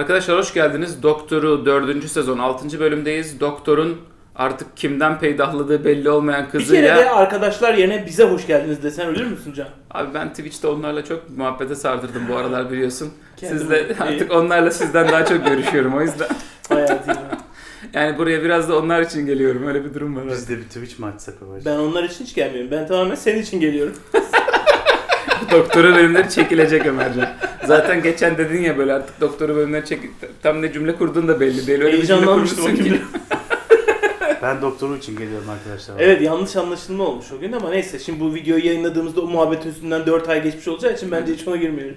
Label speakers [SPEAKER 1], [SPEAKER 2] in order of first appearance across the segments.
[SPEAKER 1] Arkadaşlar hoş geldiniz. Doktor'u 4. sezon 6. bölümdeyiz. Doktor'un artık kimden peydahladığı belli olmayan
[SPEAKER 2] Bir
[SPEAKER 1] kızıyla...
[SPEAKER 2] kere de arkadaşlar yerine bize hoş geldiniz desen ölür müsün Can?
[SPEAKER 1] Abi ben Twitch'te onlarla çok muhabbete sardırdım bu aralar biliyorsun.
[SPEAKER 2] Kendim
[SPEAKER 1] Sizle
[SPEAKER 2] iyi.
[SPEAKER 1] artık onlarla sizden daha çok görüşüyorum o yüzden.
[SPEAKER 2] Hayatım.
[SPEAKER 1] Yani buraya biraz da onlar için geliyorum. Öyle bir durum var.
[SPEAKER 3] Biz de bir Twitch mi açsak babacığım?
[SPEAKER 2] Ben onlar için hiç gelmiyorum. Ben tamamen senin için geliyorum.
[SPEAKER 1] Doktora bölümleri çekilecek Ömercan. Zaten geçen dedin ya böyle artık doktora bölümleri tam ne cümle kurduğun da belli değil. Öyle bir cümle
[SPEAKER 2] Heyecanlanmıştım o
[SPEAKER 1] kurmuşsun
[SPEAKER 2] gün.
[SPEAKER 1] ki.
[SPEAKER 3] Ben doktoru için geliyorum arkadaşlar.
[SPEAKER 2] Evet, yanlış anlaşılma olmuş o gün ama neyse, şimdi bu videoyu yayınladığımızda o muhabbet üstünden 4 ay geçmiş olacağı için bence hiç ona girmeyelim.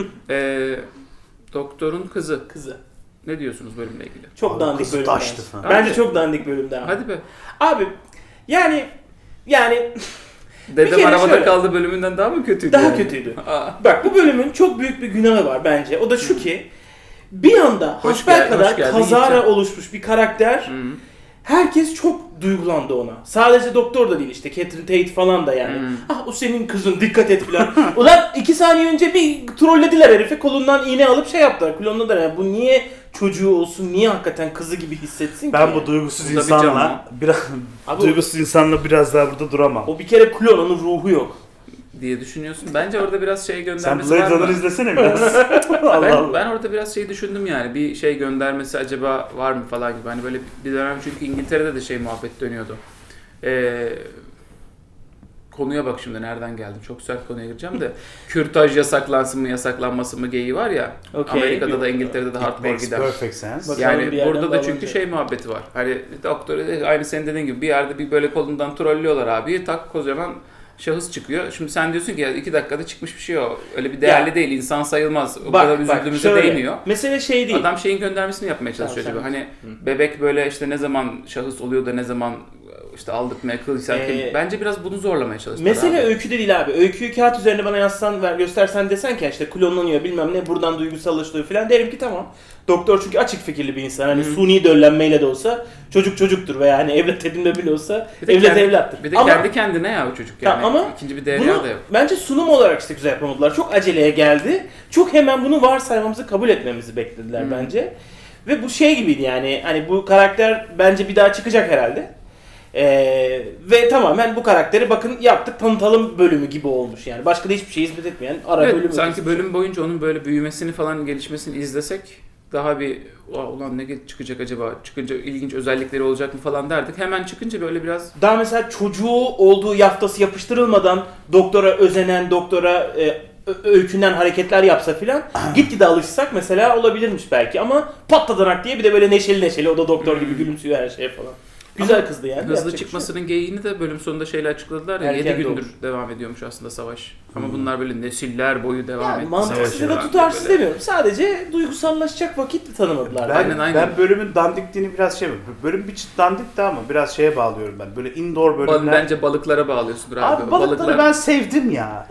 [SPEAKER 1] Doktorun kızı.
[SPEAKER 2] Kızı.
[SPEAKER 1] Ne diyorsunuz bölümle ilgili?
[SPEAKER 2] Çok
[SPEAKER 3] Abi
[SPEAKER 2] dandik
[SPEAKER 3] kızı
[SPEAKER 2] bölüm.
[SPEAKER 3] taştı
[SPEAKER 2] bence.
[SPEAKER 3] falan.
[SPEAKER 2] Bence çok dandik bölümde abi.
[SPEAKER 1] Hadi be.
[SPEAKER 2] Abi yani
[SPEAKER 1] Dedem
[SPEAKER 2] kere
[SPEAKER 1] arabada
[SPEAKER 2] şöyle.
[SPEAKER 1] kaldı bölümünden daha mı kötüydü?
[SPEAKER 2] daha
[SPEAKER 1] yani?
[SPEAKER 2] kötüydü.
[SPEAKER 1] Aa.
[SPEAKER 2] Bak, bu bölümün çok büyük bir günahı var bence. O da şu ki bir anda hasbelkader
[SPEAKER 1] hoş geldin,
[SPEAKER 2] kazara
[SPEAKER 1] gideceğim.
[SPEAKER 2] oluşmuş bir karakter.
[SPEAKER 1] Hı.
[SPEAKER 2] Herkes çok duygulandı ona. Sadece doktor da değil, işte Catherine Tate falan da yani.
[SPEAKER 1] Hmm.
[SPEAKER 2] Ah, o senin kızın, dikkat et falan. Ulan 2 saniye önce bir trollediler herifi, kolundan iğne alıp şey yaptılar. Klonladılar yani. Bu niye çocuğu olsun, niye hakikaten kızı gibi hissetsin
[SPEAKER 3] Ben
[SPEAKER 2] ki?
[SPEAKER 3] bu duygusuz
[SPEAKER 1] Bu da bir
[SPEAKER 3] insanla
[SPEAKER 1] canlı.
[SPEAKER 3] biraz
[SPEAKER 2] Abi
[SPEAKER 3] duygusuz insanla biraz daha burada duramam.
[SPEAKER 2] o bir kere klon, onun ruhu yok.
[SPEAKER 1] diye düşünüyorsun. Bence orada biraz şey
[SPEAKER 3] Sen
[SPEAKER 1] göndermesi
[SPEAKER 3] Blade
[SPEAKER 1] var
[SPEAKER 3] Runner
[SPEAKER 1] mı?
[SPEAKER 3] izlesene biraz. Allah
[SPEAKER 1] Ben,
[SPEAKER 3] Allah.
[SPEAKER 1] ben orada biraz şey düşündüm yani. Bir şey göndermesi acaba var mı falan gibi. Hani böyle bir dönem çünkü İngiltere'de de şey muhabbet dönüyordu. Konuya bak şimdi nereden geldim. Çok sert konuya gireceğim de. Kürtaj yasaklansın mı yasaklanmasın mı geyiği var ya.
[SPEAKER 2] Okey.
[SPEAKER 1] Amerika'da da İngiltere'de de
[SPEAKER 3] It
[SPEAKER 1] hardcore
[SPEAKER 3] makes
[SPEAKER 1] gider.
[SPEAKER 3] perfect sense.
[SPEAKER 2] Bak-
[SPEAKER 1] Yani
[SPEAKER 2] bir yerden
[SPEAKER 1] burada da çünkü
[SPEAKER 2] bağlanacak.
[SPEAKER 1] şey muhabbeti var. Hani doktor aynı senin dediğin gibi bir yerde bir böyle kolundan trollüyorlar abi. Tak kocaman şahıs çıkıyor. Şimdi sen diyorsun ki ya 2 dakikada çıkmış bir şey o. Öyle bir değerli
[SPEAKER 2] Ya.
[SPEAKER 1] değil. İnsan sayılmaz. O kadar üzüldüğümüze
[SPEAKER 2] şöyle,
[SPEAKER 1] değmiyor.
[SPEAKER 2] mesele şey değil.
[SPEAKER 1] Adam şeyin göndermesini yapmaya çalışıyor
[SPEAKER 2] Tamam,
[SPEAKER 1] acaba.
[SPEAKER 2] sen-
[SPEAKER 1] Hani bebek böyle işte ne zaman şahıs oluyor da ne zaman işte aldırtmaya kılıysan bence biraz bunu zorlamaya çalıştılar.
[SPEAKER 2] Mesele
[SPEAKER 1] abi.
[SPEAKER 2] öyküde değil abi. Öyküyü kağıt üzerine bana yazsan, göstersen, desen ki işte klonlanıyor bilmem ne, buradan duygusallaşıyor falan, derim ki tamam. Doktor çünkü açık fikirli bir insan. Hani suni döllenmeyle de olsa çocuk çocuktur veya hani evlat edinme bile olsa
[SPEAKER 1] Bir de
[SPEAKER 2] evlat
[SPEAKER 1] kendi-
[SPEAKER 2] evlattır.
[SPEAKER 1] Bir de
[SPEAKER 2] Ama
[SPEAKER 1] kendi kendine ya o çocuk yani.
[SPEAKER 2] Ama
[SPEAKER 1] İkinci bir değeri
[SPEAKER 2] bunu
[SPEAKER 1] de yok.
[SPEAKER 2] bence sunum olarak işte güzel yapamadılar. Çok aceleye geldi. Çok hemen bunu varsaymamızı kabul etmemizi beklediler bence. Ve bu şey gibiydi yani. Hani bu karakter bence bir daha çıkacak herhalde. Ve tamamen bu karakteri bakın yaptık tanıtalım bölümü gibi olmuş yani. Başka da hiçbir şey hizmet etmeyen ara
[SPEAKER 1] Evet,
[SPEAKER 2] bölümü.
[SPEAKER 1] sanki bölüm boyunca onun böyle büyümesini falan gelişmesini izlesek daha bir ulan ne çıkacak acaba, çıkınca ilginç özellikleri olacak mı falan derdik. Hemen çıkınca böyle biraz
[SPEAKER 2] Daha mesela çocuğu olduğu yaftası yapıştırılmadan doktora özenen, doktora öykünden hareketler yapsa filan gitgide alışsak mesela olabilirmiş belki, ama patladanak diye bir de böyle neşeli neşeli, o da doktor gibi gülümsüyor her şeye falan. Güzel
[SPEAKER 1] Ama
[SPEAKER 2] kızdı yani.
[SPEAKER 1] hızlı
[SPEAKER 2] yapacak bir şey yok.
[SPEAKER 1] çıkmasının geyiğini de bölüm sonunda şeyle açıkladılar ya,
[SPEAKER 2] Erken
[SPEAKER 1] 7 gündür
[SPEAKER 2] doğmuş.
[SPEAKER 1] devam ediyormuş aslında savaş. Ama bunlar böyle nesiller boyu devam
[SPEAKER 2] Yani
[SPEAKER 1] etti.
[SPEAKER 2] mantıksız
[SPEAKER 1] savaş
[SPEAKER 2] ya da
[SPEAKER 1] falan
[SPEAKER 2] tutarsız
[SPEAKER 1] böyle.
[SPEAKER 2] demiyorum. Sadece duygusallaşacak vakit tanımadılar.
[SPEAKER 3] Ben,
[SPEAKER 1] Aynen.
[SPEAKER 3] ben bölümün dandikliğini biraz bölüm bir çıt dandikti ama biraz şeye bağlıyorum ben. Böyle indoor bölümler.
[SPEAKER 1] Bence balıklara bağlıyorsundur abi.
[SPEAKER 3] Abi balıkları ben sevdim ya.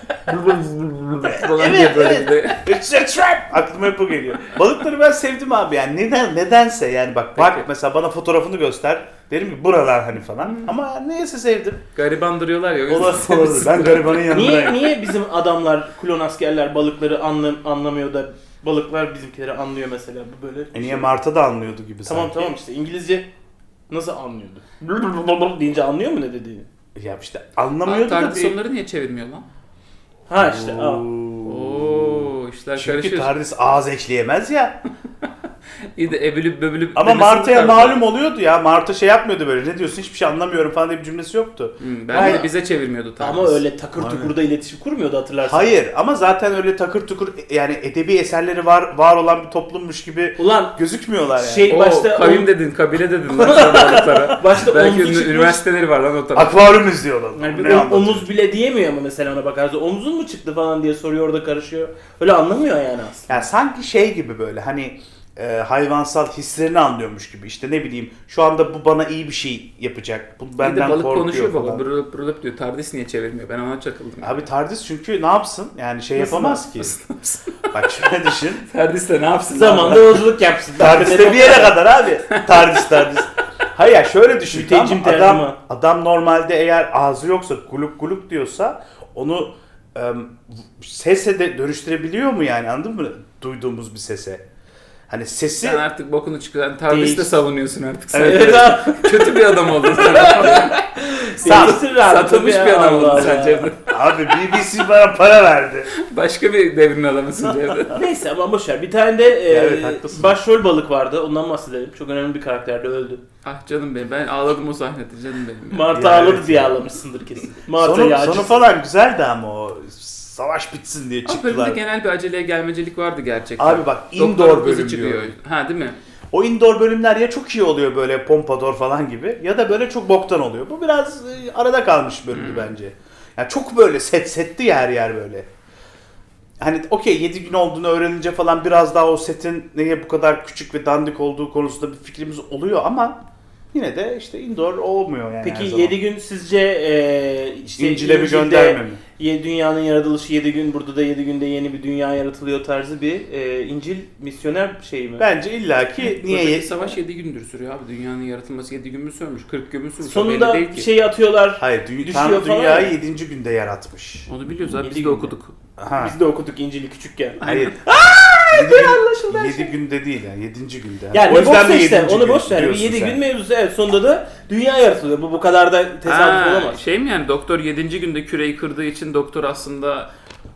[SPEAKER 1] falan
[SPEAKER 3] Evet,
[SPEAKER 1] diye böyle
[SPEAKER 3] evet.
[SPEAKER 1] bir de-
[SPEAKER 3] It's a trap! Aklıma hep o geliyor. Balıkları ben sevdim abi yani. Nedense yani bak
[SPEAKER 1] Peki.
[SPEAKER 3] mesela bana fotoğrafını göster. Derim ki buralar hani falan. Ama neyse sevdim.
[SPEAKER 1] gariban duruyorlar ya. o yüzden
[SPEAKER 3] Olabilir. Ben garibanın yanındayım.
[SPEAKER 2] Niye bizim adamlar, klon askerler balıkları anlamıyor da balıklar bizimkileri anlıyor mesela, bu böyle. bir
[SPEAKER 3] Niye
[SPEAKER 2] şey.
[SPEAKER 3] Marta da anlıyordu gibi
[SPEAKER 2] Tamam
[SPEAKER 3] sanki.
[SPEAKER 2] tamam işte İngilizce nasıl anlıyordu? Deyince anlıyor mu ne dediğini?
[SPEAKER 3] Ya işte
[SPEAKER 1] Abi,
[SPEAKER 3] anlamıyordu da
[SPEAKER 1] TARDIS
[SPEAKER 3] bir...
[SPEAKER 1] onları niye çevirmiyor lan?
[SPEAKER 2] Ha işte.
[SPEAKER 1] Oo, işler
[SPEAKER 3] Çünkü
[SPEAKER 1] karışır.
[SPEAKER 3] TARDIS ağız eşleyemez ya.
[SPEAKER 1] İyi de ebülüp böbülüp
[SPEAKER 3] Ama
[SPEAKER 1] demesini
[SPEAKER 3] Marta'ya
[SPEAKER 1] tarzı.
[SPEAKER 3] malum oluyordu ya. Marta şey yapmıyordu böyle. Ne diyorsun hiçbir şey anlamıyorum falan diye bir cümlesi yoktu.
[SPEAKER 1] Ben
[SPEAKER 2] Ama-
[SPEAKER 1] de bize çevirmiyordu TARDIS.
[SPEAKER 2] Ama öyle takır
[SPEAKER 3] Aynen.
[SPEAKER 2] tukurda iletişim kurmuyordu, hatırlarsın.
[SPEAKER 3] Hayır ama zaten öyle takır tukur yani edebi eserleri var olan bir toplummuş gibi
[SPEAKER 2] Ulan
[SPEAKER 3] gözükmüyorlar yani.
[SPEAKER 2] şey
[SPEAKER 1] O
[SPEAKER 2] başta
[SPEAKER 1] kavim dedin, kabile dedin lan sen balıklara.
[SPEAKER 2] başta
[SPEAKER 1] Belki
[SPEAKER 2] omzu çıkmış.
[SPEAKER 1] üniversiteleri var lan o tarafta.
[SPEAKER 3] Akvaryum izliyorlar.
[SPEAKER 2] Yani bir
[SPEAKER 3] Ne anlatıyor?
[SPEAKER 2] omuz bile diyemiyor ama mesela ona bakarsa omzun mu çıktı falan diye soruyor, orada karışıyor. Öyle anlamıyor yani aslında.
[SPEAKER 3] Yani sanki şey gibi böyle hani hayvansal hislerini anlıyormuş gibi. İşte ne bileyim şu anda bu bana iyi bir şey yapacak. Bu
[SPEAKER 1] Bir de
[SPEAKER 3] benden
[SPEAKER 1] balık
[SPEAKER 3] korkuyor
[SPEAKER 1] konuşuyor
[SPEAKER 3] falan.
[SPEAKER 1] baba. Brılıp brılıp diyor. TARDIS niye çevirmiyor? Ben ona çakıldım.
[SPEAKER 3] Abi TARDIS çünkü ne yapsın? Yani şey
[SPEAKER 2] Nasıl
[SPEAKER 3] yapamaz ki. Bak şöyle düşün.
[SPEAKER 1] TARDIS de ne yapsın?
[SPEAKER 2] Zamanda yolculuk yapsın.
[SPEAKER 3] TARDIS'te bir yere kadar abi. TARDIS. Hayır ya şöyle düşün.
[SPEAKER 2] Müteccim
[SPEAKER 3] Tamam,
[SPEAKER 2] tercüman.
[SPEAKER 3] adam normalde eğer ağzı yoksa guluk guluk diyorsa onu sese de dönüştürebiliyor mu yani, anladın mı? Duyduğumuz bir sese. Hani sesi
[SPEAKER 1] Sen artık bokunu çıkaran TARDIS'i de
[SPEAKER 2] Değiş-
[SPEAKER 1] savunuyorsun artık. Sen
[SPEAKER 2] Evet abi.
[SPEAKER 1] kötü bir adam oldun sen.
[SPEAKER 2] Değiştir abi,
[SPEAKER 1] Satılmış
[SPEAKER 2] tabii
[SPEAKER 1] bir
[SPEAKER 2] ya,
[SPEAKER 1] adam
[SPEAKER 2] Allah
[SPEAKER 1] oldun sen
[SPEAKER 2] Allah.
[SPEAKER 1] Cevdet.
[SPEAKER 3] abi BBC bana para verdi.
[SPEAKER 1] Başka bir devrin adamısın Cevdet.
[SPEAKER 2] Neyse ama boşver. Bir tane de
[SPEAKER 3] Evet, haklısın.
[SPEAKER 2] başrol balık vardı. Ondan bahsedelim. Çok önemli bir karakter de öldü.
[SPEAKER 1] Ah canım benim, ben ağladım o sahnede canım benim. ya.
[SPEAKER 2] Martı
[SPEAKER 3] Ya
[SPEAKER 2] ağladı
[SPEAKER 3] evet
[SPEAKER 2] diye
[SPEAKER 3] ya.
[SPEAKER 2] ağlamışsındır kesin. Martı
[SPEAKER 3] Sonu
[SPEAKER 2] yağcı.
[SPEAKER 3] falan güzeldi ama o savaş bitsin diye
[SPEAKER 1] Ama bölümde
[SPEAKER 3] çıktılar.
[SPEAKER 1] genel bir aceleye gelmecilik vardı gerçekten.
[SPEAKER 3] Abi bak
[SPEAKER 1] Doktorun
[SPEAKER 3] indoor
[SPEAKER 1] kızı
[SPEAKER 3] bölüm
[SPEAKER 1] çıkıyor.
[SPEAKER 3] diyor.
[SPEAKER 1] Ha değil mi?
[SPEAKER 3] O indoor bölümler ya çok iyi oluyor böyle Pompador falan gibi ya da böyle çok boktan oluyor. Bu biraz arada kalmış bölümdü bence. Yani çok böyle setti yer yer böyle. Hani okey 7 gün olduğunu öğrenince falan biraz daha o setin neye bu kadar küçük ve dandik olduğu konusunda bir fikrimiz oluyor ama yine de işte indoor olmuyor yani her
[SPEAKER 2] Peki
[SPEAKER 3] zaman.
[SPEAKER 2] 7 gün sizce işte
[SPEAKER 3] İncil'e bir
[SPEAKER 2] İncil'de
[SPEAKER 3] gönderme mi?
[SPEAKER 2] Dünyanın yaratılışı 7 gün, burada da 7 günde yeni bir dünya yaratılıyor tarzı bir İncil misyoner şeyi mi?
[SPEAKER 3] Bence illaki niye
[SPEAKER 1] Buradaki
[SPEAKER 3] 7
[SPEAKER 1] savaş 7 gündür sürüyor abi. Dünyanın yaratılması 7 gün mü sürmüş? 40 gün mü sürmüş? O
[SPEAKER 2] Sonunda
[SPEAKER 1] belli değil ki.
[SPEAKER 2] şeyi atıyorlar.
[SPEAKER 3] Hayır,
[SPEAKER 2] düşüyor
[SPEAKER 3] Tanrı
[SPEAKER 2] falan
[SPEAKER 3] dünyayı
[SPEAKER 2] ya.
[SPEAKER 3] 7. günde yaratmış.
[SPEAKER 1] Onu biliyoruz abi,
[SPEAKER 2] Yedi
[SPEAKER 1] biz de
[SPEAKER 2] günde.
[SPEAKER 1] okuduk.
[SPEAKER 3] Ha.
[SPEAKER 2] Biz de okuduk İncil'i küçükken.
[SPEAKER 3] Hayır.
[SPEAKER 2] Anlaşıldı her
[SPEAKER 3] 7 günde değil yani 7. günde.
[SPEAKER 2] Yani
[SPEAKER 3] O yüzden
[SPEAKER 2] boş
[SPEAKER 3] de
[SPEAKER 2] işte,
[SPEAKER 3] 7.
[SPEAKER 2] onu
[SPEAKER 3] gün
[SPEAKER 2] boş ver. Bir
[SPEAKER 3] diyorsun
[SPEAKER 2] 7
[SPEAKER 3] sen.
[SPEAKER 2] gün mevzusu, evet, sonunda da dünya yaratılıyor. Bu kadar da tesadüf olamaz.
[SPEAKER 1] Şey mi yani, doktor 7. günde küreyi kırdığı için doktor aslında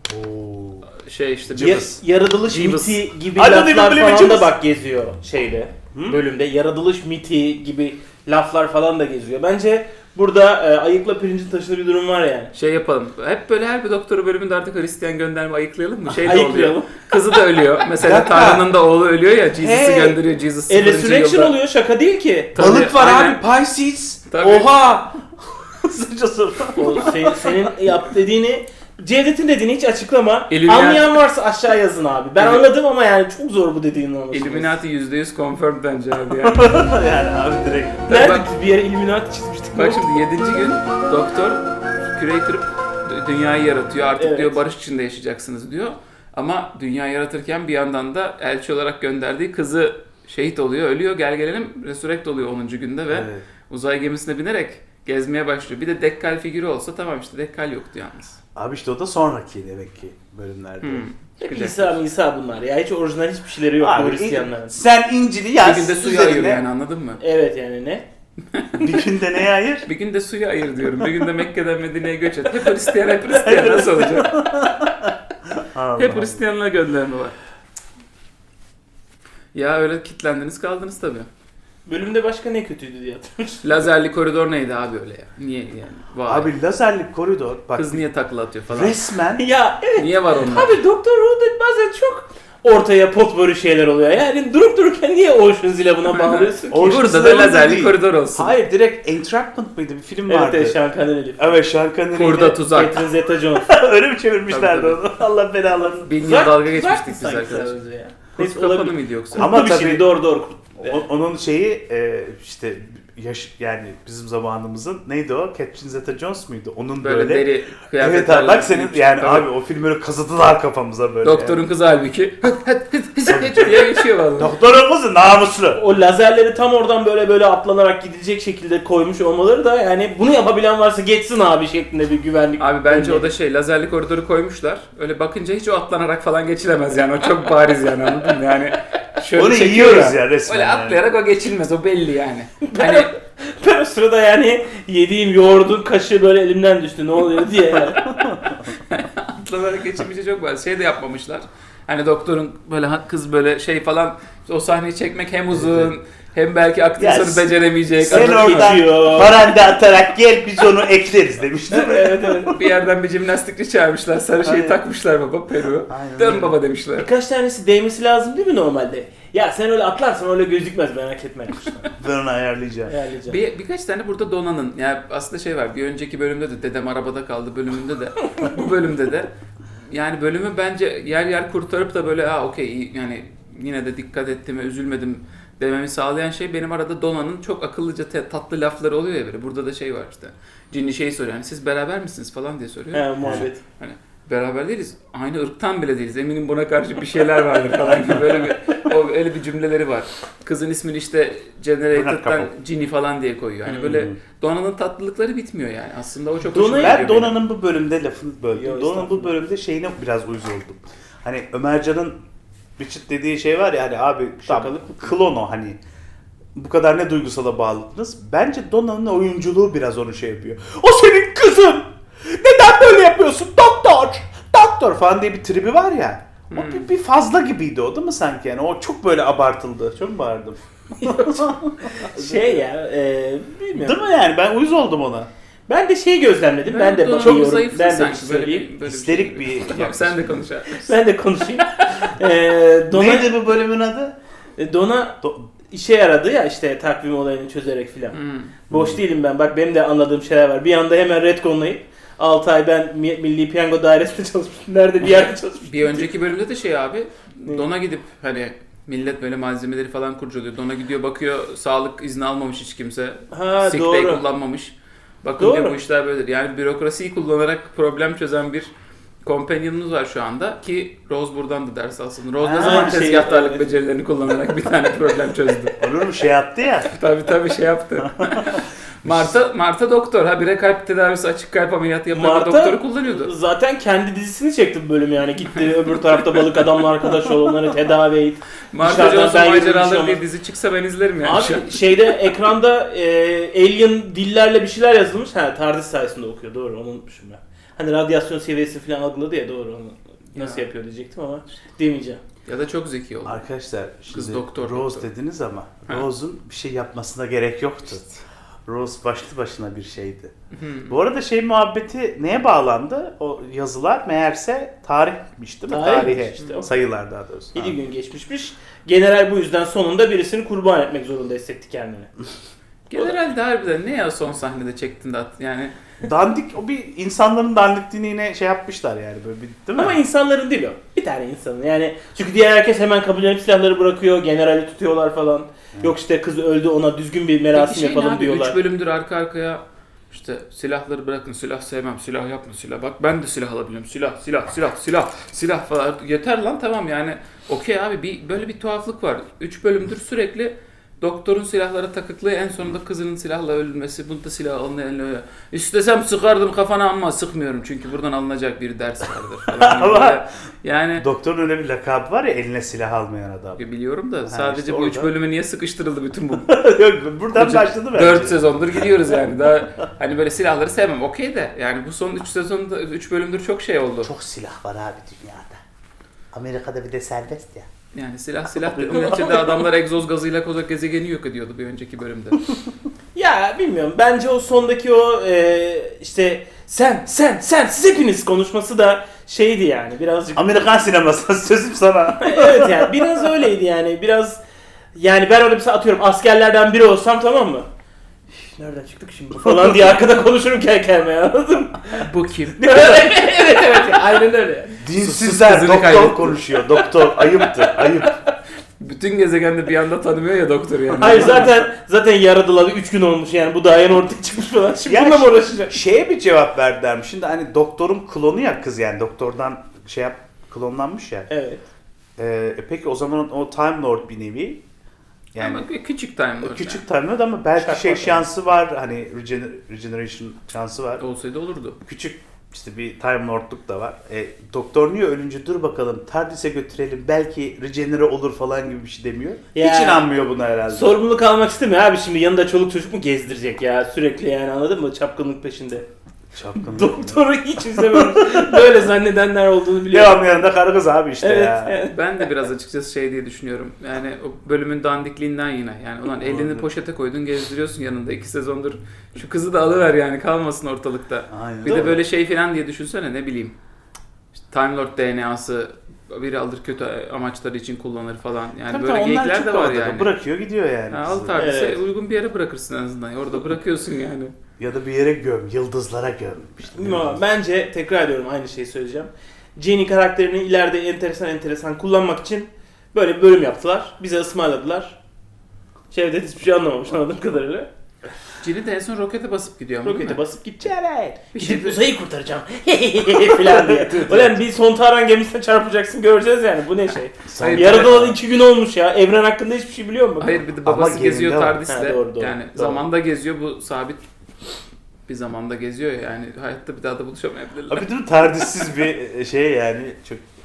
[SPEAKER 3] Oo.
[SPEAKER 1] şey işte
[SPEAKER 2] Ya-
[SPEAKER 1] Cıvız.
[SPEAKER 2] yaratılış
[SPEAKER 1] Cıvız.
[SPEAKER 2] miti gibi
[SPEAKER 3] Hadi
[SPEAKER 2] laflar
[SPEAKER 3] hadi,
[SPEAKER 2] falan da
[SPEAKER 3] Cıvız.
[SPEAKER 2] bak geziyor şeyde.
[SPEAKER 3] Hı?
[SPEAKER 2] Bölümde yaratılış miti gibi laflar falan da geziyor. Bence burada ayıkla pirincin taşıdığı bir durum var yani.
[SPEAKER 1] Şey yapalım. Hep böyle her bir doktoru bölümünde artık Hristiyan gönderme ayıklayalım mı? Şey de
[SPEAKER 2] Ayıklayalım.
[SPEAKER 1] oluyor. Kızı da ölüyor. Mesela
[SPEAKER 3] dakika.
[SPEAKER 1] Tanrı'nın da oğlu ölüyor ya. Jesus'ı
[SPEAKER 2] Hey.
[SPEAKER 1] gönderiyor. Jesus 0.
[SPEAKER 2] Resurrection
[SPEAKER 1] yılda.
[SPEAKER 2] oluyor, şaka değil ki.
[SPEAKER 1] Tabii,
[SPEAKER 3] Balık var
[SPEAKER 1] aynen.
[SPEAKER 3] abi Pisces.
[SPEAKER 1] Tabii.
[SPEAKER 3] Oha. Sıcası.
[SPEAKER 2] O senin yap dediğini, Cevdet'in dediğini hiç açıklama.
[SPEAKER 1] Illuminati-
[SPEAKER 2] Anlayan varsa aşağı yazın abi. Ben anladım ama yani çok zor bu dediğinin anlaşılması.
[SPEAKER 1] Illuminati %100 confirmed bence abi yani.
[SPEAKER 3] Yani abi direkt.
[SPEAKER 2] Nerede
[SPEAKER 1] Bak-
[SPEAKER 2] biz bir yere Illuminati çizmiştik.
[SPEAKER 1] Bak şimdi 7. gün doktor küreyi kırıp dünyayı yaratıyor. Artık
[SPEAKER 2] Evet.
[SPEAKER 1] diyor barış içinde yaşayacaksınız diyor. Ama dünya yaratırken bir yandan da elçi olarak gönderdiği kızı şehit oluyor, ölüyor. Gel gelelim resurrect oluyor 10. günde ve
[SPEAKER 3] Evet.
[SPEAKER 1] uzay gemisine binerek gezmeye başlıyor. Bir de Dekkal figürü olsa tamam, işte Dekkal yoktu yalnız.
[SPEAKER 3] Abi işte o da sonraki demek ki bölümlerde.
[SPEAKER 2] Hep
[SPEAKER 1] Çıkacak.
[SPEAKER 2] İsa bunlar ya. Hiç orijinal hiçbir şeyleri yok bu
[SPEAKER 3] Abi
[SPEAKER 2] Hristiyanların.
[SPEAKER 3] sen İncil'i
[SPEAKER 1] Bir
[SPEAKER 3] yaz.
[SPEAKER 1] günde suyu
[SPEAKER 3] üzerine-
[SPEAKER 1] ayır yani, anladın mı?
[SPEAKER 2] Evet yani ne?
[SPEAKER 3] Bir günde neye ayır?
[SPEAKER 1] Bir günde suyu ayır diyorum. Bir günde Mekke'den Medine'ye göç et. Hep Hristiyan, hep Hristiyan. Nasıl olacak?
[SPEAKER 3] Allah
[SPEAKER 1] Hep
[SPEAKER 3] Allah.
[SPEAKER 1] Hristiyanlığa gönderme var. Ya öyle kilitlendiniz kaldınız tabii.
[SPEAKER 2] Bölümde başka ne kötüydü diye hatırlıyorum.
[SPEAKER 1] Lazerli koridor neydi abi öyle ya? Niye yani? Vay.
[SPEAKER 3] Abi lazerli koridor bak
[SPEAKER 1] Kız niye takla atıyor falan?
[SPEAKER 3] resmen
[SPEAKER 2] Ya evet.
[SPEAKER 1] Niye var onlar?
[SPEAKER 2] Abi Doktor Who'da bazen çok ortaya potpourri şeyler oluyor. Yani durup dururken niye Ocean's Eleven'a bağlıyorsun ki?
[SPEAKER 3] Ocean's
[SPEAKER 1] Burada da
[SPEAKER 3] Eleven
[SPEAKER 1] lazerli
[SPEAKER 3] değil.
[SPEAKER 1] koridor olsun.
[SPEAKER 3] hayır direkt Entrapment mıydı bir film
[SPEAKER 2] Evet
[SPEAKER 3] vardı.
[SPEAKER 2] evet, Sean Connery.
[SPEAKER 3] Evet Sean Connery'yle-
[SPEAKER 1] Kurda tuzak.
[SPEAKER 2] Catherine Zeta-Jones.
[SPEAKER 3] Öyle mi çevirmişlerdi
[SPEAKER 1] Tabii,
[SPEAKER 3] onu? Allah belalarını.
[SPEAKER 1] Bin yıl
[SPEAKER 2] Uzak-
[SPEAKER 1] dalga
[SPEAKER 2] uzak
[SPEAKER 1] geçmiştik biz
[SPEAKER 2] sanki
[SPEAKER 1] arkadaşlar.
[SPEAKER 2] sadece ya.
[SPEAKER 1] Kurt
[SPEAKER 2] Neyse,
[SPEAKER 1] kapanı
[SPEAKER 2] olabilir.
[SPEAKER 1] mıydı yoksa?
[SPEAKER 3] Ama
[SPEAKER 2] Ama bir
[SPEAKER 3] tabii-
[SPEAKER 2] şey doğru.
[SPEAKER 3] Onun şeyi işte yani bizim zamanımızın neydi o? Catherine Zeta-Jones muydu? Onun
[SPEAKER 1] Böyle,
[SPEAKER 3] böyle.
[SPEAKER 1] deri
[SPEAKER 3] Evet
[SPEAKER 1] kıyafetlerle.
[SPEAKER 3] abi bak senin yani
[SPEAKER 1] Tabii.
[SPEAKER 3] abi o filmleri kazıdılar kafamıza böyle.
[SPEAKER 1] Doktorun
[SPEAKER 3] yani.
[SPEAKER 1] kızı halbuki diye geçiyor vallahi.
[SPEAKER 3] Doktorun kızı namuslu.
[SPEAKER 2] O lazerleri tam oradan böyle atlanarak gidecek şekilde koymuş olmaları da yani bunu yapabilen varsa geçsin abi şeklinde bir güvenlik.
[SPEAKER 1] Abi bence
[SPEAKER 2] önlemi.
[SPEAKER 1] o da şey, lazerli koridoru koymuşlar. Öyle bakınca hiç o atlanarak falan geçilemez yani. O çok bariz yani, anladın mı? Yani şöyle
[SPEAKER 3] Onu
[SPEAKER 1] çekiyor
[SPEAKER 3] yiyoruz ya resmen.
[SPEAKER 1] Öyle
[SPEAKER 3] yani.
[SPEAKER 1] atlayarak o geçilmez, o belli yani. Hani
[SPEAKER 2] Ben o sırada yani yediğim yoğurdun kaşığı böyle elimden düştü ne oluyor diye yani.
[SPEAKER 1] atlanarak geçilmeyecek çok var. Şey de yapmamışlar. Hani doktorun böyle kız böyle şey falan, o sahneyi çekmek hem uzun hem belki
[SPEAKER 3] Ya
[SPEAKER 1] aktrisyonu beceremeyecek.
[SPEAKER 3] Sen
[SPEAKER 1] Adam
[SPEAKER 3] oradan
[SPEAKER 2] geçiyor.
[SPEAKER 3] paranda atarak gel biz onu ekleriz demiştim.
[SPEAKER 2] Evet evet.
[SPEAKER 1] bir yerden bir jimnastikçi çağırmışlar. Sarı şeyi
[SPEAKER 3] Aynen.
[SPEAKER 1] takmışlar baba, peruğu.
[SPEAKER 3] Aynen
[SPEAKER 1] Dön
[SPEAKER 3] öyle.
[SPEAKER 1] baba demişler.
[SPEAKER 2] Birkaç tanesi değmesi lazım değil mi normalde? Ya sen öyle atlarsan öyle gözükmez merak etme.
[SPEAKER 3] Ben onu ayarlayacağım.
[SPEAKER 2] Ayarlayacağım.
[SPEAKER 1] Birkaç tane burada donanın. Yani aslında şey var. Bir önceki bölümde de dedem arabada kaldı bölümünde de. Bu bölümde de. Yani bölümü bence yer yer kurtarıp da böyle okey yani yine de dikkat ettim ve üzülmedim dememi sağlayan şey, benim arada Dona'nın çok akıllıca tatlı lafları oluyor ya böyle. Burada da şey var işte. Cinni şey soruyor. Yani siz beraber misiniz falan diye soruyor.
[SPEAKER 2] He muhabbet.
[SPEAKER 1] Hani beraber değiliz. Aynı ırktan bile değiliz. Eminim buna karşı bir şeyler vardır falan gibi öyle bir cümleleri var. Kızın ismini işte Generator'dan Ginny falan diye koyuyor. Hani böyle Dona'nın tatlılıkları bitmiyor yani. Aslında o çok hoşuma gidiyor
[SPEAKER 3] Ben
[SPEAKER 1] benim.
[SPEAKER 3] Dona'nın bu bölümde lafını böldüm.
[SPEAKER 2] Yok,
[SPEAKER 3] Dona'nın bu bölümde şeyine biraz uyuz oldum. Hani Ömercan'ın Richard dediği şey var ya hani abi
[SPEAKER 2] Şakalık
[SPEAKER 3] klon o hani. Bu kadar ne duygusala bağlısınız? Bence Donna'nın oyunculuğu biraz onu şey yapıyor. O senin kızın! Neden böyle yapıyorsun? Doktor! Doktor falan diye bir tribi var ya. O bir fazla gibiydi o değil mi sanki yani? O çok böyle abartıldı. Çok mu bağırdım?
[SPEAKER 2] Şey ya, bilmiyorum.
[SPEAKER 3] Değil mi yani? Ben uyuz oldum ona.
[SPEAKER 2] Ben de şeyi gözlemledim. Ben de
[SPEAKER 1] Dona'nın
[SPEAKER 2] bakıyorum.
[SPEAKER 1] zayıflığı
[SPEAKER 2] Ben de bir
[SPEAKER 1] sanki,
[SPEAKER 2] şey
[SPEAKER 1] böyle
[SPEAKER 2] söyleyeyim.
[SPEAKER 1] böyle bir
[SPEAKER 3] Histerik
[SPEAKER 1] şey.
[SPEAKER 3] bir-
[SPEAKER 1] Yok, sen de konuş abi.
[SPEAKER 2] Ben de konuşayım. Donna,
[SPEAKER 3] Neydi bu bölümün adı?
[SPEAKER 2] Donna işe yaradı ya işte takvim olayını çözerek filan. Boş değilim ben. Bak benim de anladığım şeyler var. Bir anda hemen retconlayıp 6 ay ben Milli Piyango Dairesi'nde çalışmıştım. Nerede bir yerde çalışmıştım.
[SPEAKER 1] Bir önceki bölümde de şey abi,
[SPEAKER 2] Ne?
[SPEAKER 1] Dona gidip hani millet böyle malzemeleri falan kurcalıyor. Dona gidiyor bakıyor, sağlık izni almamış hiç kimse.
[SPEAKER 2] Ha
[SPEAKER 1] Sick day
[SPEAKER 2] doğru.
[SPEAKER 1] kullanmamış. Bakın
[SPEAKER 2] Doğru.
[SPEAKER 1] diyor bu işler böyledir. Yani bürokrasiyi kullanarak problem çözen bir companion'ımız var şu anda ki Rose buradan da ders alsın. Rose ne
[SPEAKER 3] Ha,
[SPEAKER 1] zaman
[SPEAKER 2] şey,
[SPEAKER 1] tezgahtarlık
[SPEAKER 2] evet.
[SPEAKER 1] becerilerini kullanarak bir tane problem çözdü.
[SPEAKER 3] Olur mu şey yaptı ya.
[SPEAKER 1] Tabii şey yaptı. Marta doktor. Habire kalp tedavisi, açık kalp ameliyatı yapan
[SPEAKER 2] Marta-
[SPEAKER 1] doktoru kullanıyordu.
[SPEAKER 2] Zaten kendi dizisini çekti bu bölüm yani. Gitti öbür tarafta balık adamla arkadaş ol, onları tedavi et.
[SPEAKER 1] Marta
[SPEAKER 2] Dışarıdan
[SPEAKER 1] Johnson
[SPEAKER 2] ben yürüyüşüm
[SPEAKER 1] maceraları
[SPEAKER 2] ama-
[SPEAKER 1] diye dizi çıksa ben izlerim yani. şu an.
[SPEAKER 2] Abi şeyde ekranda alien dillerle bir şeyler yazılmış. Ha TARDIS sayesinde okuyor. Doğru onu unutmuşum ben. Hani radyasyon seviyesi falan algıladı ya doğru onu. Nasıl
[SPEAKER 1] Ya.
[SPEAKER 2] yapıyor diyecektim ama demeyeceğim.
[SPEAKER 1] Ya da çok zeki oldu.
[SPEAKER 3] Arkadaşlar şimdi
[SPEAKER 1] Kız doktor,
[SPEAKER 3] Rose
[SPEAKER 1] doktor.
[SPEAKER 3] dediniz ama
[SPEAKER 1] Ha.
[SPEAKER 3] Rose'un bir şey yapmasına gerek yoktu. Rose başlı başına bir şeydi.
[SPEAKER 1] Hmm.
[SPEAKER 3] Bu arada şey muhabbeti neye bağlandı? O yazılar meğerse tarihmiş değil mi?
[SPEAKER 2] Tarihmiş
[SPEAKER 3] Tarihe.
[SPEAKER 2] işte o.
[SPEAKER 3] Sayılar daha doğrusu.
[SPEAKER 2] 7 gün geçmişmiş. General bu yüzden sonunda birisini kurban etmek zorunda hissetti kendini.
[SPEAKER 1] Generalde harbiden ne ya son sahnede çektin de yani
[SPEAKER 3] Dandik o bir insanların dandikliğini yine şey yapmışlar yani böyle bir değil mi?
[SPEAKER 2] Ama insanların değil o. Bir tane insanın yani. Çünkü diğer herkes hemen kabullenip silahları bırakıyor. Generali tutuyorlar falan. Yok işte kız öldü ona düzgün bir merasim
[SPEAKER 1] peki şey ne
[SPEAKER 2] yapalım
[SPEAKER 1] abi,
[SPEAKER 2] diyorlar.
[SPEAKER 1] 3 bölümdür arka arkaya işte silahları bırakın, silah sevmem, silah yapma, silah bak ben de silah alabiliyorum, silah falan yeter lan tamam yani okey abi böyle bir tuhaflık var. 3 bölümdür sürekli doktorun silahlara takıklığı en sonunda kızının silahla öldürmesi, bunu da silah alınıyor. İstesem sıkardım kafana ama sıkmıyorum çünkü buradan alınacak bir ders vardır falan.
[SPEAKER 3] Ama-
[SPEAKER 1] Böyle. Yani
[SPEAKER 3] Doktorun öyle bir lakabı var ya eline silah almayan adam.
[SPEAKER 1] biliyorum da sadece
[SPEAKER 3] işte
[SPEAKER 1] bu 3
[SPEAKER 3] orada.
[SPEAKER 1] bölüme niye sıkıştırıldı bütün bu?
[SPEAKER 3] Yok buradan başladı bence.
[SPEAKER 1] 4 sezondur gidiyoruz yani. Daha hani böyle silahları sevmem. Okey de yani bu son 3 sezonda 3 bölümdür çok şey oldu.
[SPEAKER 3] Çok silah var abi dünyada. Amerika'da bir de serbest ya.
[SPEAKER 1] Yani silah dedim neticede adamlar egzoz gazıyla kozak gezegeni yok ediyordu bir önceki bölümde.
[SPEAKER 2] Ya bilmiyorum. Bence o sondaki o işte sen siz hepiniz konuşması da şeydi yani birazcık.
[SPEAKER 3] Amerikan sineması sözüm sana.
[SPEAKER 2] Evet yani biraz öyleydi yani. Biraz yani ben orada mesela atıyorum askerlerden biri olsam tamam mı? Üf, nereden çıktık şimdi falan diye arkada konuşurum kendi anladın mı?
[SPEAKER 1] Bu kim?
[SPEAKER 2] evet aynen öyle.
[SPEAKER 3] Dinsizler
[SPEAKER 1] kızını
[SPEAKER 3] doktor
[SPEAKER 1] kaybetti.
[SPEAKER 3] konuşuyor. Doktor ayıptır ayıp.
[SPEAKER 1] Bütün gezegende bir anda tanımıyor ya doktoru yani.
[SPEAKER 2] Hayır zaten yaradılalı 3 gün olmuş yani bu daha yeni ortaya çıkmış falan. Şimdi
[SPEAKER 3] Ya
[SPEAKER 2] bununla mı uğraşacak?
[SPEAKER 3] Şeye bir cevap verdiler mi? Şimdi hani doktorun klonu ya kız yani doktordan şey yap klonlanmış ya.
[SPEAKER 2] Evet.
[SPEAKER 3] Peki o zaman o Time Lord bir nevi. Yani
[SPEAKER 1] Ama bir küçük time Lord
[SPEAKER 3] küçük Time Lord ama belki
[SPEAKER 2] Şart
[SPEAKER 3] şey
[SPEAKER 2] var.
[SPEAKER 3] şansı var hani regeneration şansı var.
[SPEAKER 1] yani. Olsaydı olurdu.
[SPEAKER 3] Küçük işte bir Time Lord'luk da var. Doktor niye ölünce dur bakalım TARDIS'e götürelim belki regenere olur falan gibi bir şey demiyor.
[SPEAKER 2] Ya.
[SPEAKER 3] Hiç inanmıyor buna herhalde.
[SPEAKER 2] Sorumluluk almak istemiyor abi şimdi yanında çoluk çocuk mu gezdirecek ya sürekli yani anladın mı çapkınlık peşinde.
[SPEAKER 3] Çapkınlık.
[SPEAKER 2] Doktoru hiç izlemiyorum. Böyle zannedenler olduğunu biliyorum.
[SPEAKER 3] Devam yanında karı kız abi işte
[SPEAKER 2] Evet.
[SPEAKER 3] ya.
[SPEAKER 2] evet.
[SPEAKER 1] Ben de biraz açıkçası şey diye düşünüyorum. Yani o bölümün dandikliğinden yine. Yani ulan elini poşete koydun gezdiriyorsun yanında 2 sezondur. Şu kızı da alıver yani kalmasın ortalıkta.
[SPEAKER 3] Aynen.
[SPEAKER 1] Bir
[SPEAKER 2] Doğru.
[SPEAKER 1] de böyle şey falan diye düşünsene ne bileyim. İşte Time Lord DNA'sı biri alır kötü amaçları için kullanır falan. Yani
[SPEAKER 3] Tabii
[SPEAKER 1] böyle
[SPEAKER 3] tabii, onlar
[SPEAKER 1] geyikler
[SPEAKER 3] çok
[SPEAKER 1] de var
[SPEAKER 3] havada.
[SPEAKER 1] yani.
[SPEAKER 3] Bırakıyor gidiyor yani.
[SPEAKER 1] Ha, al
[SPEAKER 3] kızı.
[SPEAKER 1] TARDIS'e
[SPEAKER 2] Evet.
[SPEAKER 1] uygun bir yere bırakırsın en azından. Orada bırakıyorsun yani.
[SPEAKER 3] Ya da bir yere göm, yıldızlara göm. İşte
[SPEAKER 2] Ama bence tekrar ediyorum aynı şeyi söyleyeceğim. Jenny karakterini ileride enteresan kullanmak için böyle bir bölüm yaptılar. Bize ısmarladılar. Cevdet hiçbir şey anlamamış anladığım kadarıyla.
[SPEAKER 1] Cini de en son rokete basıp gidiyor ama değil
[SPEAKER 2] Rokete
[SPEAKER 1] mi?
[SPEAKER 2] basıp gidecek. Evet.
[SPEAKER 1] Bir
[SPEAKER 2] Gidip
[SPEAKER 1] şey-
[SPEAKER 2] uzayı kurtaracağım. falan diye. Ulan bir Sontaran gemisine çarpacaksın göreceğiz yani. Bu ne şey?
[SPEAKER 1] Hayır,
[SPEAKER 2] Yaratılalı 2 gün olmuş ya. Evren hakkında hiçbir şey biliyor musun?
[SPEAKER 1] Hayır bir de
[SPEAKER 3] Ama
[SPEAKER 1] babası geziyor
[SPEAKER 3] gerinde var.
[SPEAKER 1] TARDIS'le.
[SPEAKER 2] Ha, doğru.
[SPEAKER 1] Yani zamanda geziyor bu sabit bir zamanda geziyor ya. Yani hayatta bir daha da buluşamayabilirler.
[SPEAKER 3] Abi değil mi? TARDIS'siz bir şey yani çok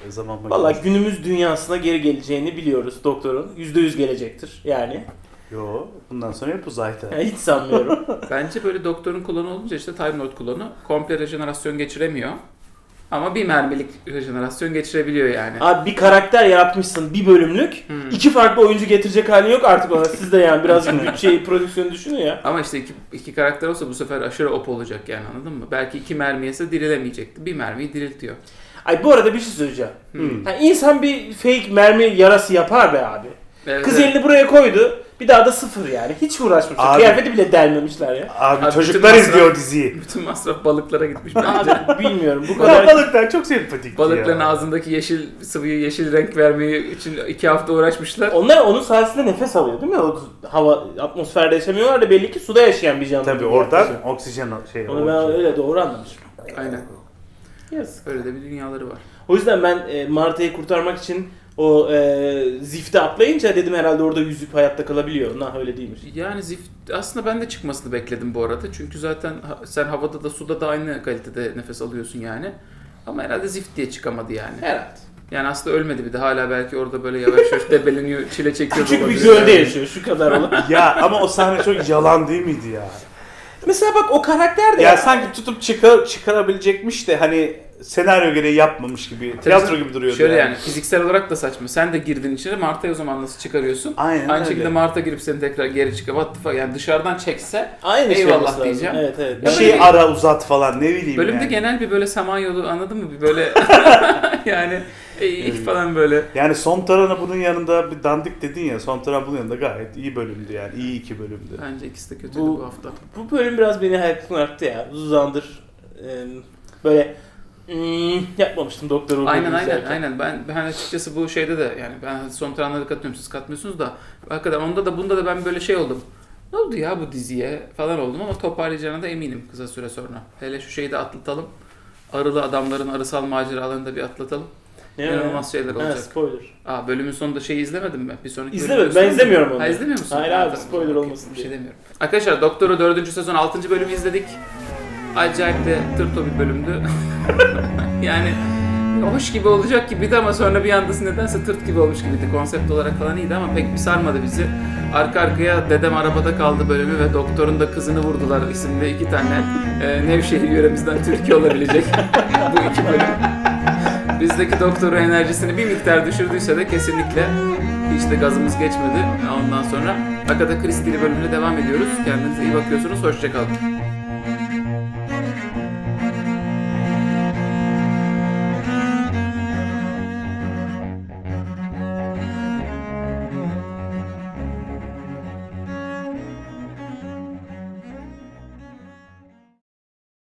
[SPEAKER 3] zaman makinesi.
[SPEAKER 2] Valla günümüz dünyasına geri geleceğini biliyoruz doktorun. %100 gelecektir yani.
[SPEAKER 3] Yo, bundan sonra hep uzayda.
[SPEAKER 2] Yani hiç sanmıyorum.
[SPEAKER 1] Bence böyle doktorun klonu olunca işte Time Lord klonu komple rejenerasyon geçiremiyor. Ama bir mermilik rejenerasyon geçirebiliyor yani.
[SPEAKER 2] Abi bir karakter yaratmışsın bir bölümlük. İki farklı oyuncu getirecek halin yok artık ona. Siz de yani birazcık bütçeyi, prodüksiyonu düşünün ya.
[SPEAKER 1] Ama işte iki karakter olsa bu sefer aşırı op olacak yani, anladın mı? Belki 2 mermi yese dirilemeyecekti. Bir mermiyi diriltiyor.
[SPEAKER 2] Ay bu arada bir şey söyleyeceğim. Yani insan bir fake mermi yarası yapar be abi.
[SPEAKER 1] Evet,
[SPEAKER 2] Kız
[SPEAKER 1] evet.
[SPEAKER 2] elini buraya koydu. Bir daha da sıfır yani. Hiç uğraşmışlar.
[SPEAKER 3] Abi-
[SPEAKER 2] Kıyafeti bile delmemişler ya.
[SPEAKER 3] Abi
[SPEAKER 1] Abi
[SPEAKER 3] çocuklar
[SPEAKER 1] bütün
[SPEAKER 3] izliyor
[SPEAKER 1] masraf-
[SPEAKER 3] diziyi.
[SPEAKER 1] Bütün masraf balıklara gitmiş bence.
[SPEAKER 2] Abi bilmiyorum bu
[SPEAKER 3] Ya
[SPEAKER 2] kadar.
[SPEAKER 3] balıklar çok sempatik
[SPEAKER 1] Balıkların
[SPEAKER 3] ya.
[SPEAKER 1] ağzındaki yeşil sıvıyı yeşil renk vermeyi için 2 hafta uğraşmışlar.
[SPEAKER 2] Onlar onun sayesinde nefes alıyor değil mi? O hava atmosferde yaşamıyorlar da belli ki suda yaşayan bir canlı.
[SPEAKER 3] Tabii
[SPEAKER 2] gibi
[SPEAKER 3] oradan
[SPEAKER 2] yaklaşıyor.
[SPEAKER 3] oksijen şey.
[SPEAKER 2] Onu ben öyle doğru anlamışım.
[SPEAKER 1] Aynen.
[SPEAKER 2] Yazık.
[SPEAKER 1] Öyle de bir dünyaları var.
[SPEAKER 2] O yüzden ben Marta'yı kurtarmak için o zifte atlayınca dedim herhalde orada yüzüp hayatta kalabiliyor. Nah öyle değilmiş.
[SPEAKER 1] Yani Zift aslında ben de çıkmasını bekledim bu arada. Çünkü zaten sen havada da suda da aynı kalitede nefes alıyorsun yani. Ama herhalde Zift diye çıkamadı yani.
[SPEAKER 2] Herhalde.
[SPEAKER 1] Yani aslında ölmedi bir de, hala belki orada böyle yavaş yavaş debeleniyor, çile çekiyor.
[SPEAKER 2] Küçük bir
[SPEAKER 1] olabilir
[SPEAKER 2] gölde
[SPEAKER 1] yani.
[SPEAKER 2] yaşıyor şu kadar olan.
[SPEAKER 3] Ya ama o sahne çok yalan değil miydi ya?
[SPEAKER 2] Mesela bak o karakter de
[SPEAKER 3] Ya sanki tutup çıkarabilecekmiş de hani senaryo gereği yapmamış gibi, tiyatro gibi duruyordu.
[SPEAKER 1] Şöyle yani fiziksel olarak da saçma. Sen de girdin içine, Marta'yı o zaman nasıl çıkarıyorsun?
[SPEAKER 3] Aynen
[SPEAKER 1] Aynı
[SPEAKER 3] öyle.
[SPEAKER 1] şekilde Marta girip seni tekrar geri çıkar. What the fuck? Yani dışarıdan çekse
[SPEAKER 2] aynı şey
[SPEAKER 1] eyvallah
[SPEAKER 2] olması lazım.
[SPEAKER 1] diyeceğim.
[SPEAKER 2] Evet evet.
[SPEAKER 3] Bir
[SPEAKER 1] Ya
[SPEAKER 3] şey
[SPEAKER 1] böyle bir-
[SPEAKER 3] ara uzat falan ne bileyim
[SPEAKER 1] bölümde
[SPEAKER 3] yani.
[SPEAKER 1] genel bir böyle Samanyolu, anladın mı? Bir böyle yani falan böyle.
[SPEAKER 3] Yani son tarana bunun yanında bir dandik dedin ya, son taran bunun yanında gayet iyi bölümdü yani. İyi 2 bölümdü.
[SPEAKER 1] Bence ikisi de kötüydü bu hafta.
[SPEAKER 2] Bu bölüm biraz beni hayal arttı ya. Uzun zamandır böyle yapmamıştım Doktor Who'yu
[SPEAKER 1] Aynen
[SPEAKER 2] izlerken.
[SPEAKER 1] aynen. Ben açıkçası bu şeyde de yani ben son taranlara katılıyorum, siz katmıyorsunuz da hakikaten onda da bunda da ben böyle şey oldum. Ne oldu ya bu diziye falan oldum ama toparlayacağına da eminim kısa süre sonra. Hele şu şeyi de atlatalım. Arılı adamların arısal maceralarını da bir atlatalım.
[SPEAKER 2] Ne
[SPEAKER 1] İnanılmaz şeyler
[SPEAKER 2] Ha,
[SPEAKER 1] olacak.
[SPEAKER 2] spoiler.
[SPEAKER 1] Bölümün sonunda şeyi izlemedin mi? Bir sonraki
[SPEAKER 2] İzlemedim.
[SPEAKER 1] bölümü
[SPEAKER 2] Ben
[SPEAKER 1] gördün mü?
[SPEAKER 2] izlemiyorum onu.
[SPEAKER 1] Ha, izlemiyor musun?
[SPEAKER 2] Hayır
[SPEAKER 1] Ha,
[SPEAKER 2] abi,
[SPEAKER 1] tamam.
[SPEAKER 2] spoiler
[SPEAKER 1] Okey,
[SPEAKER 2] olmasın
[SPEAKER 1] bir şey
[SPEAKER 2] diye.
[SPEAKER 1] demiyorum. Arkadaşlar Doktor'u 4. sezon 6. bölümü izledik. Acayip de tırto bir bölümdü. Yani hoş gibi olacak gibiydi ama sonra bir anda nedense tırt gibi olmuş gibiydi. Konsept olarak falan iyiydi ama pek bir sarmadı bizi. Arka arkaya Dedem Arabada Kaldı bölümü ve Doktor'un da Kızını Vurdular isimli 2 tane Nevşehir yöremizden Türkiye olabilecek bu 2 bölüm. Bizdeki Doktor'un enerjisini bir miktar düşürdüyse de kesinlikle hiç de gazımız geçmedi. Ondan sonra Agatha Christie'li bölümüne devam ediyoruz. Kendinize iyi bakıyorsunuz. Hoşça kalın.